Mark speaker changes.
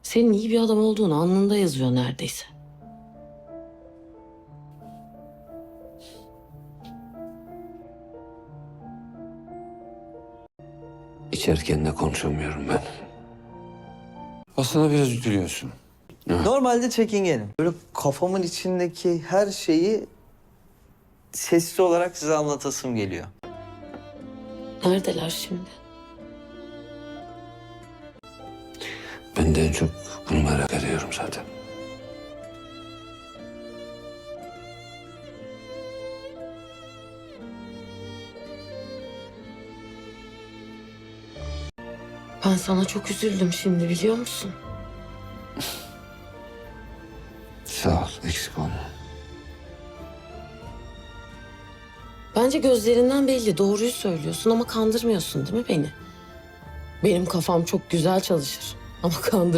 Speaker 1: Senin iyi bir adam olduğunu alnında yazıyor neredeyse.
Speaker 2: İçerken de konuşamıyorum ben.
Speaker 3: Aslında biraz üzülüyorsun.
Speaker 4: Normalde çekingenim. Böyle kafamın içindeki her şeyi sesli olarak size anlatasım geliyor.
Speaker 1: Neredeler şimdi?
Speaker 2: Ben de en çok bunu merak ediyorum zaten.
Speaker 1: Ben sana çok üzüldüm şimdi, biliyor musun?
Speaker 2: Sağ ol, eksik olma.
Speaker 1: Bence gözlerinden belli, doğruyu söylüyorsun ama kandırmıyorsun değil mi beni? Benim kafam çok güzel çalışır ama